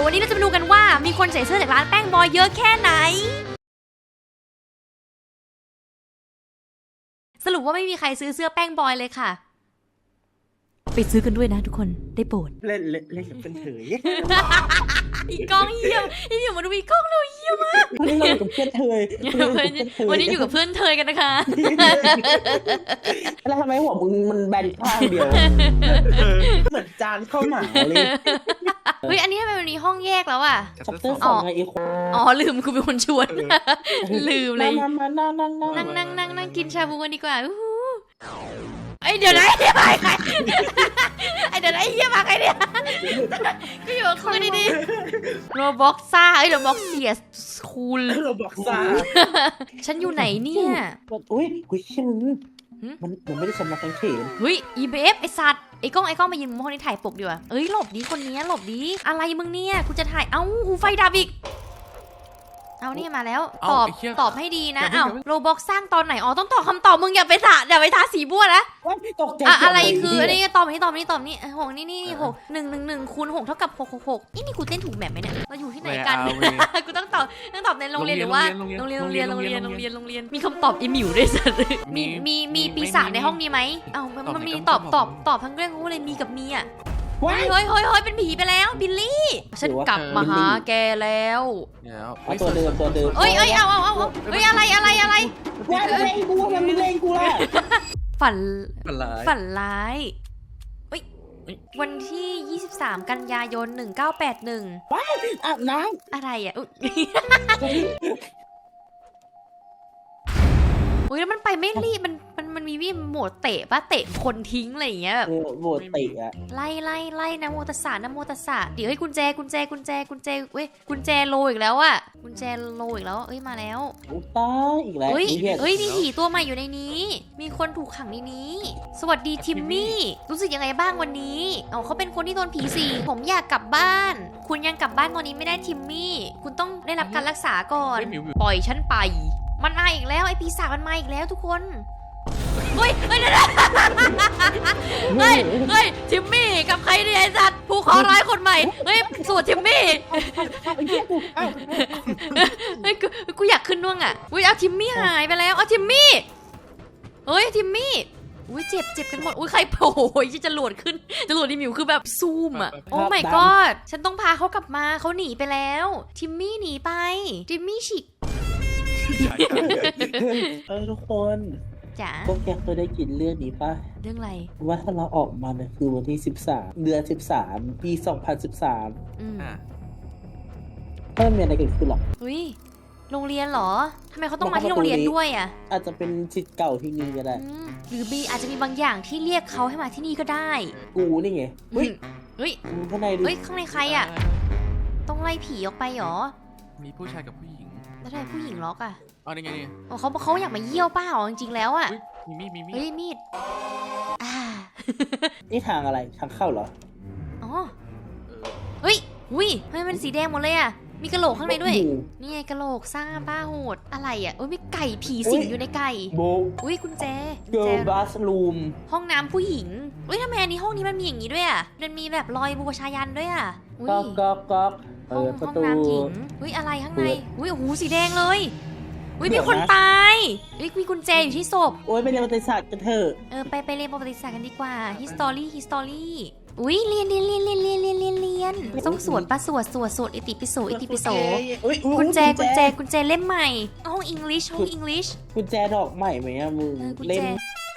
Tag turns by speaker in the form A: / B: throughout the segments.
A: วันนี้เราจะมาดูกันว่ามีคนใส่เสื้อจากร้านแป้งบอยเยอะแค่ไหนสรุปว่าไม่มีใครซื้อเสื้อแป้งบอยเลยค่ะไปซื้อกันด้วยนะทุกคนได้โปรด
B: เล่นกับเป็นเถย
A: อีกล้องเยี่ยมอีอยู่มาดูอีกล้องเราเยี่ยมมาก
B: วันนี้เราอยู่กับเพื่อนเถย
A: วันนี้อยู่กับเพื่อนเธอกันนะคะ
B: แล้วทำไมหัวมึงมันแบนข้างเดียวเหมือนจานข้าวหมาเลย
A: เฮ้ยอันนี้ทำไมวันนี้ห้องแยกแล้วอ่ะ
B: ชัปเตอร์สองไงอีกคน
A: ลืมกูเป็นคนชวนลืมเลย
B: นั่ง
A: กินชาบูกันดีกว่าไอเดี๋ยวนะไอ้เหี้ยมาใครไอเดี๋ยวนะไอ้เหี้ยมาใครเนี่ยก็อยู่กับคุณดีๆโรบ็อกซ่าโรบ็อกเสียคูล
B: โรบ็อกซ่า
A: ฉันอยู่ไหนเนี่ย
B: อุ้ยชื่อมันไม่ได้สำนักแข่ง
A: เฮ้ย EBF ไอสัตว์ไอกล้องมายืนมุมห้องนี้ถ่ายปกดีกว่าหลบดีคนนี้หลบดีอะไรมึงเนี่ยกูจะถ่ายหูไฟดับอีกเอานี่มาแล้วตอบให้ดีนะโรบ็อกสร้างตอนไหนต้องตอบคำตอบมึงอย่าไปทาสีบัวนะอะไรคืออันนี้ตอบนี้6นี่6 1 คูณ 6 เท่ากับ6นี่กูเต้นถูกแบบไหมเนี่ยเราอยู่ที่ไหนกันกูต้องตอบในโรงเรียนหรือว่าโรงเรียนมีคำตอบอีมิวด้วยสัตว์มีปีศาจในห้องนี้ไหมมันมีตอบทั้งเรื่องเลยมีกับมีเฮ้ยเป็นผีไปแล้วบิลลี่ฉันกลับมาหาแกแล้ว
B: ตัวเดิม
A: เอ้ยเอาเฮ้ยอะไร
B: ว่าเล่นกูมันเล่นกูล่ะ
A: ฝันร้ายวันที่23กันยายน1981
B: ว้าวอาบน้
A: ำอะไรแล้วมันไปไม่รีบมันมีวิโหมดเตะป่ะเตะคนทิ้งอะไรอย่างเงี้ยแบบ
B: โหมดเตะ
A: ไล่นะโมตัสสะนะโมตัสสะเดี๋ยวให้กุญแจเว้ยกุญแจโลอีกแล้วกุญแจโลอีกแล้วมาแล้ว
B: ตายอีกแล้ว
A: มีผีตัวใหม่อยู่ในนี้มีคนถูกขังในนี้สวัสดีทิมมี่รู้สึกยังไงบ้างวันนี้เขาเป็นคนที่โดนผีสิงผมอยากกลับบ้านคุณยังกลับบ้านตอนนี้ไม่ได้ทิมมี่คุณต้องได้รับการรักษาก่อนปล่อยฉันไปมันมาอีกแล้วไอ้ปีศาจมันมาอีกแล้วทุกคนเฮ้ยทิมมี่กับใครเนี่ยไอ้สัตว์ผู้ขอร้ายคนใหม่สวดทิมมี่กูอยากขึ้นน่วงเอาทิมมี่หายไปแล้วทิมมี่ทิมมี่เจ็บกันหมดใครโผล่จะหลวดขึ้นจะหลวดดิมิวคือแบบซูมโอ้ my god ฉันต้องพาเขากลับมาเขาหนีไปแล้วทิมมี่หนีไปทิมมี่ฉีก
B: ทุกคนพวกแกเคยได้กินเรื่องนี้ป่ะ
A: เรื่องอะไร
B: ว่าถ้าเราออกมาเนี่ยคือวันที่13เดือน13ปี2013ไม่มีอะไรเกิดขึ้นหรอก
A: โรงเรียนเหรอทำไมเขาต้องมาที่โรงเรียนด้วย
B: อาจจะเป็นศิษย์เก่าที่นี่ก็ได้
A: หรืออาจจะมีบางอย่างที่เรียกเขาให้มาที่นี่ก็ได้
B: กูนี่ไงข้างใน
A: ข้างในใครต้องไล่ผีออกไปหรอ
C: มีผู้ชายกับผู้หญิง
A: แล้วทำไมผู้หญิงล็อก
C: นี่ไงนี่
A: เขาอยากมาเยี่ยวเปล่าจริงๆแล้ว
C: มีมี
A: มีด
B: นี่ทางอะไรทางเข้าเหรอ
A: เฮ้ยทำไมมันสีแดงหมดเลยมีกระโหลกข้างในด้วยนี่ไงกระโหลกซ่าบ้าโหดอะไรมีไก่ผีสิงอยู่ในไก่กุญแจ
B: เกิร์ลบัสรูม
A: ห้องน้ำผู้หญิงทำไมอันนี้ห้องนี้มันมีอย่างนี้ด้วยมันมีแบบรอยบูชายันด้วย
B: ก๊อก
A: ห้องน้ำหญิงอะไรข้างในโอ้โหสีแดงเลยมีคนตายมีกุญแจอยู่ที่ศพ
B: ไปเรียนประวัติศาสตร์กันเถอะ
A: ไปเรียนประวัติศาสตร์กันดีกว่า history เรียนต้องสวดปะสวดอิติปิโสกุญแจเล่มใหม่ห้อง English
B: กุญแจดอกใหม่ไหมมึงเล่ม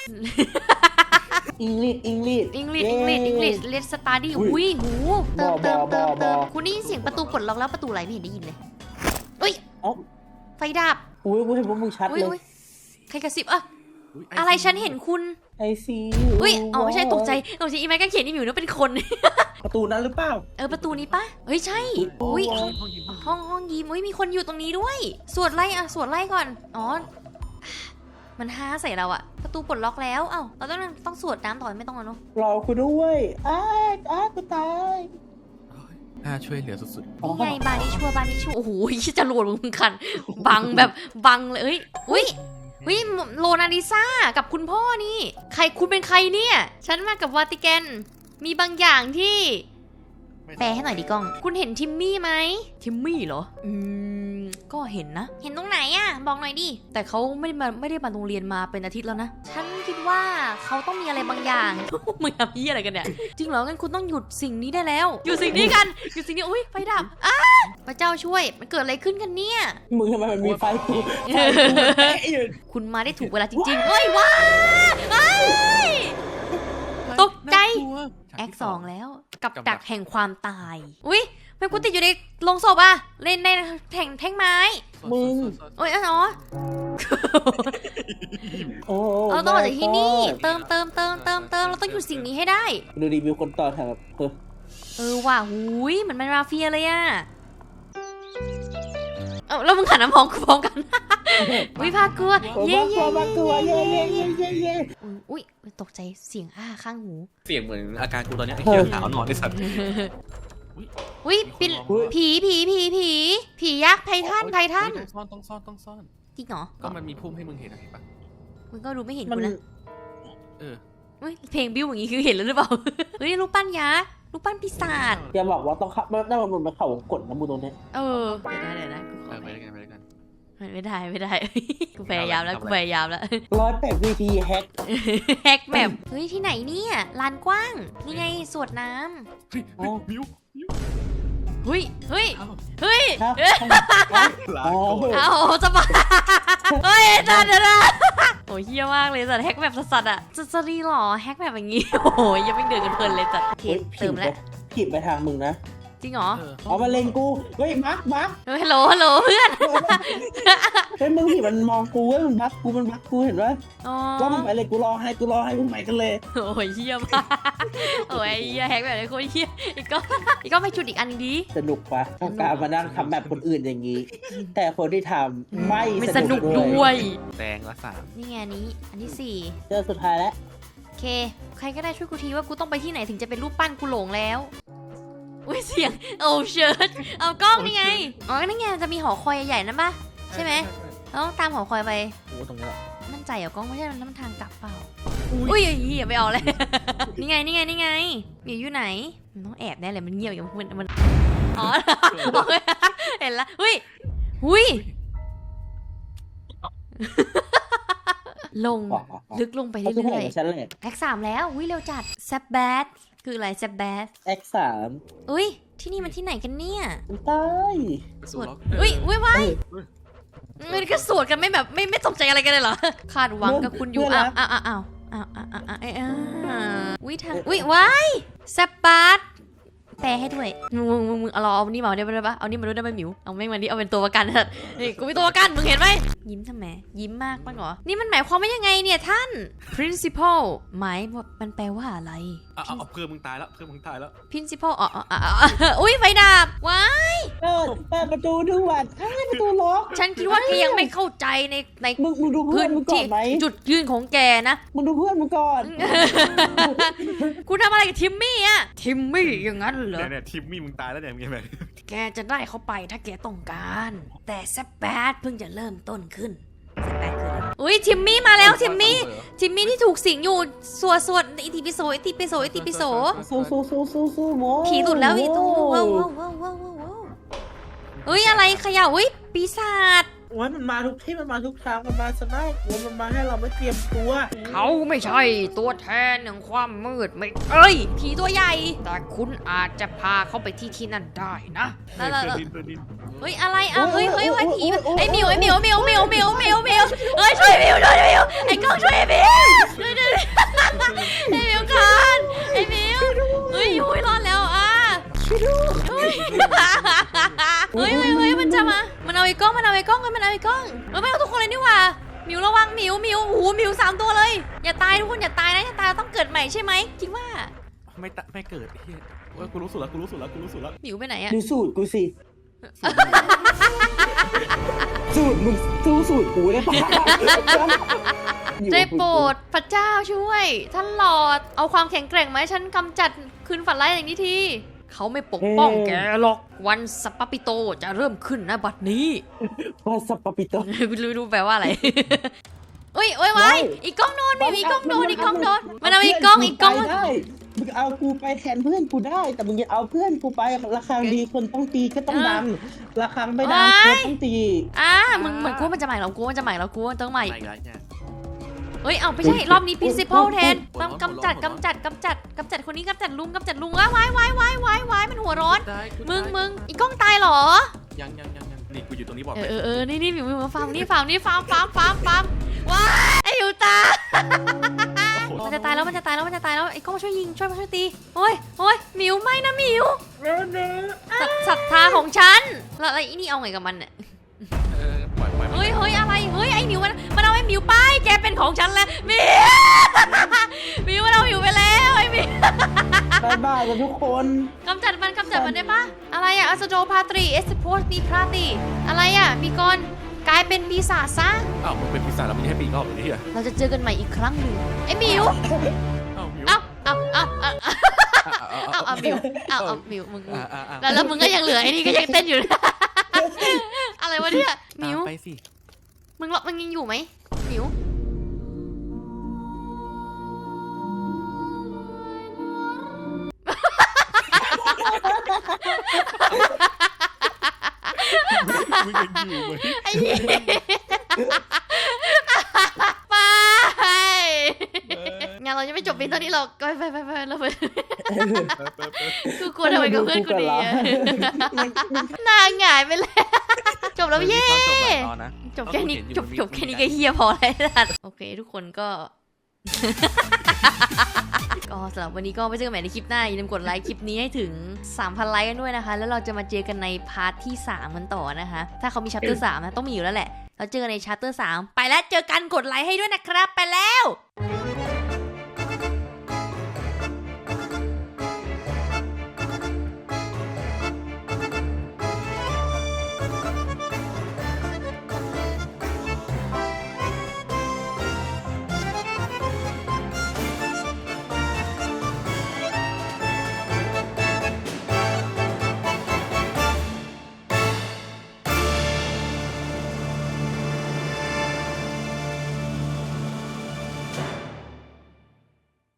B: English
A: Let's study หูเติมคุณได้ยินเสียงประตูปลดล็อกแล้วประตูไหลไม่เห็นได้ยินเลยไฟดับ
B: กูเห็นว่ามึงชัดเลย
A: ใครกระซิบอะไรฉันเห็นคุณ
B: ไอซี
A: ไม่ใช่ตกใจอีไมค์ก็เขียนอีมิวนึกเป็นคน
B: ประตูนั้นหรือเปล่า
A: ประตูนี้ปะใช่ห้องยิ้มมีคนอยู่ตรงนี้ด้วยสวดไล่ก่อนมันฮาใส่เราประตูปลดล็อกแล้วเราต้องสวดน้ำต่อไม่ต้องแล้วเนาะ
B: รอคุณด้วยกูตาย
C: ช่วยเหลือสุด
A: ๆนี่ไงบานิชัวโอ้โหจะโหลดมึงคันบังเลยโลนาลิซ่ากับคุณพ่อนี่ใครคุณเป็นใครเนี่ยฉันมากับวาติกันมีบางอย่างที่แปลให้หน่อยดิกล้องคุณเห็นทิมมี่ไหมทิมมี่เหรอก็เห็นนะเห็นตรงไหนอะบอกหน่อยดิแต่เขาไม่ได้มาโรงเรียนมาเป็นอาทิตย์แล้วนะฉันคิดว่าเขาต้องมีอะไรบางอย่าง มึงทำยี่อะไรกันเนี่ยจริงเหรองั้นคุณต้องหยุดสิ่งนี้ได้แล้วหยุดสิ่งนี้กันหยุดสิ่งนี้อุ้ยไฟดับพระเจ้าช่วยมันเกิดอะไรขึ้นกันเนี่ย
B: มึงทำไมมันมีไฟกูอยู่
A: คุณมาได้ถูกเวลาจริงๆเฮ้ยว้าตกใจแอค2แล้วกับดักแห่งความตายอุ้ยทำไมกูติดอยู่ในโรงศพอะเล่นในแท่งไม้
B: มึง
A: โอ้ยอ๋อ
B: โอ้
A: เราต้องออกจากที่นี่เติมเราต้องหยุดสิ่งนี้ให้ได้
B: ดูรีวิวคนต่อแถว
A: ว่ะหุยเหมือนมันมาเฟียเลยอะแล้วมึงขันน้ำมองกูพร้อมกันวิพากลัวเย่อุ้ยตกใจเสียงข้างหู
C: เสียงเหมือนอาการกูตอนนี้ไอ้เหี้ยหาวนอนในสัตว์
A: อุ้ยเป็นผียักษ์ไททัน
C: ต้องซ่อน
A: จริงเหรอ
C: ก็มันมีพุ่มให้มึงเห็นนะเห็นปะ
A: มึงก็รู้ไม่เห็นกูนะเพลงบิ้วอย่างงี้คือเห็นแล้วหรือเปล่าเฮ้ยรูปปั้นยักษ์รูปปั้นปีศาจ
B: อย่าบอกว่าต้องขับได้มันเข่ากดน้ำมูตรงนี้
A: เดี๋ยวนะ
C: ไปด้วยกัน
A: ไม่ได้กูพยายามแล้ว
B: 108 VT แฮก
A: แบบเฮ้ยที่ไหนเนี่ยลานกว้างนี่ไงสวนน้
C: ำมิว
A: เฮ้ยเอาจะบ้าเฮ้ยจัดนะโอ้ยเฮี้ยมากเลยจัดแฮกแบบสัสๆอ่ะจะรีหรอแฮกแบบอย่างงี้โอ้ยยังไม่เดินกันเพลินเลยจัดเติมแล้ว
B: ผิดไปทางมึงนะ
A: จริงเหรอ
B: เอามาเล็งกูเฮ้ยมาร์ค
A: ฮัลโหลเพื่อน
B: เฮ้ยมึงผิดมันมองกูเว้ยมันบักกูเห็นไหมก็มึงไปเลยกูรอให้มึงไปกันเลย
A: โอ้ยเฮี้ยมากโอ้ยเฮี้ยแฮกแบบนี้โคตรเฮี้ยอีกก็ไปจุดอีกอันดี
B: สนุกปะการมานั่งทำแบบคนอื่นอย่างนี้แต่คนที่ทำไม่
A: สนุกด้วย
C: แดงละ3
A: นี่ไงอันที่4
B: เจอสุดท้ายแล้ว
A: โอเคใครก็ได้ช่วยกูทีว่ากูต้องไปที่ไหนถึงจะเป็นรูปปั้นกูหลงแล้วอุ้ยเสียงโอ้เชิดเอากล้องนี่ไงนี่ไงจะมีหอคอยใหญ่ๆนั่นปะใช่ไหมเราต้องตามหอคอยไป
B: โอ้ตรงนี้
A: มั่นใจเหรอกล้องไม่ใช่มันน้ำทางกลับเปล่าอุ้ยอย่าไปเอาเลยนี่ไงอยู่ไหนมันต้องแอบแน่เลยมันเงียบอย่างมันอ๋อเห็นละหุ้ยลงลึกลงไปเรื่อยๆแอค3แล้วเร็วจัดแซบแบดคืออะไรแซบแบด
B: แอค3
A: ที่นี่มันที่ไหนกันเนี่ย
B: ตาย
A: สวดว้ายมันก็สวดกันไม่แบบไม่ตกใจอะไรกันเลยเหรอคาดหวังกับคุณอยู่อ้าวว้ายแซบแบดแปลให้ด้วยมึงเอานี่มาได้ปะเอานี่มาด้วยได้ไหมหมิวเอาไม่มาดิเอาเป็นตัวประกันนี่กูเป็นตัวประกันมึงเห็นไหมยิ้มทำไมยิ้มมากมั้งเหรอนี่มันหมายความว่ายังไงเนี่ยท่าน principal หมายมันแปลว่าอะไร
C: เอาเพื่อนมึงตายแล้ว
A: principal อุ้ยไฟดับว้าย
B: เปิดประตูด้วยประตูล็อก
A: ฉันคิดว่าแกยังไม่เข้าใจใน
B: มึงดูเพื่อนมึงก่อนไหม
A: จุดยืนของแกนะ
B: มึงดูเพื่อนมึงก่อน
A: คุณทำอะไรกับทิมมี่อะทิมมี่อย่างนั้นเหรอ
C: เนี่ยทิมมี่มึงตายแล้วเนี่ยมึงยังไง
A: แกจะได้เขาไปถ้าแกต้องการแต่แซบแบดเพิ่งจะเริ่มต้นขึ้นอุ้ยทิมมี่มาแล้วทิมมี่ที่ถูกสิงอยู่สวดอิติปิโส
B: โม
A: ผีหลุดแล้วอีตูว้าวอะไรขย่าปีศาจ
B: มันมาทุกที่มันมาทุกทางมันมาสนากมันมาให้เราไม่เตรียมตัว
A: เขาไม่ใช่ตัวแทนแห่งความมืดไม่ผีตัวใหญ่แต่คุณอาจจะพาเขาไปที่นั่นได้นะอะไรผีไอ้มิวช่วยมิวไอ้กล้องช่วยมิวไอ้มิวก่อนไอ้มิวรอดแล้วมันจะมามันเอาไอ้กล้องมันเอาทุกคนเลยนี่หว่ามิวระวังมิวมิว3ตัวเลยอย่าตายทุกคนอย่าตายนะต้องเกิดใหม่ใช่ไหมคิดว่า
C: ไม่เกิดเฮียกูรู้สูตรแล้ว
A: มิวไปไหนอะ
B: ดูสูตรกูสิสูตรมึงสูตรกูได้ปะ
A: ได้โปรดพระเจ้าช่วยท่านหลอดเอาความแข็งแกร่งมาให้ฉันกำจัดคืนฝันร้ายอย่างนี้ทีเขาไม่ปกป้องแกหรอกวันสัปปปิโตจะเริ่มขึ้นนะบัดนี้
B: วันสัปปปิโต
A: รู้แปลว่าอะไรอีกกล้องโดนมันเอาอีกกล้อง
B: มึงเอากูไปแทนเพื่อนกูได้แต่มึงจะเอาเพื่อนกูไประฆังดีคนต้องตีก็ต้องดังระฆังไม่ดังคนต้องตี
A: มึงเหมือนกูมันจะใหม่เรากูมันจะใหม่เรากูต้องใหม่
C: ไม่ไรเนี่ย
A: เอ้ยเอาไม่ใช่รอบนี้ principal แทนต้องกำจัดคนนี้กำจัดลุงว้ายมันหัวร้อนมึงอีกล้องตายเหรอ
C: ยังนี่กูอยู่ตรงนี้บอก
A: นี่มิวมาฟังนี่ฟาร์มว้าไอ้อยู่ตามันจะตายแล้วไอ้กล้องช่วยยิงช่วยตีโอ้ยมิวไม่นะมิวศรัทธาของฉันแล้วไอ้นี่เอาไงกับมันเนี่ย
C: ปล่อย
A: เฮ้ยอะไรเฮ้ยไอ้มิวมันเอาไอ้มิวไปแกเป็นของฉันแล้วมิวมันเอามิวไปแล้วไอ้มิว
B: บ้ากันทุกคน
A: กำจัดมันได้ปะอะไรอะอัสโดพาตรีเอสโพสมีพาตีอะไรอะมีกรกลายเป็นปีศาจซะ
C: อ้าวมึงเป็นปีศาจแล้วมึงให้ปีกอบอย่างนี้เหรอ
A: เราจะเจอกันใหม่อีกครั้งหนึ่งไอ้มิวมิวมึงแล้วมึงก็ยังเหลือไอ้นี่ก็ยังเต้นอยู่อะไรวะเนี่ยมิว
C: ไปสิ
A: มึงยังอยู่ไหมมิว
C: มึงยังอยู่ไหม
A: ไอ้ไปงานเราจะไม่จบเพียงเท่านี้หรอกไปเราไปกูกลัวทำไมกับเพื่อนกูดีนางหงายไปเลยจบแล้วเย่จบแค่นี้จบแค่นี้ก็เฮียพอแล้วโอเคทุกคนก็สำหรับวันนี้ก็ไปเจอกันใหม่ในคลิปหน้าอย่าลืมกดไลค์คลิปนี้ให้ถึง 3,000 ไลค์กันด้วยนะคะแล้วเราจะมาเจอกันในพาร์ทที่3กันต่อนะคะถ้าเขามีชัปเตอร์3นะต้องมีอยู่แล้วแหละเราเจอกันในชัปเตอร์3ไปแล้วเจอกันกดไลค์ให้ด้วยนะครับไปแล้ว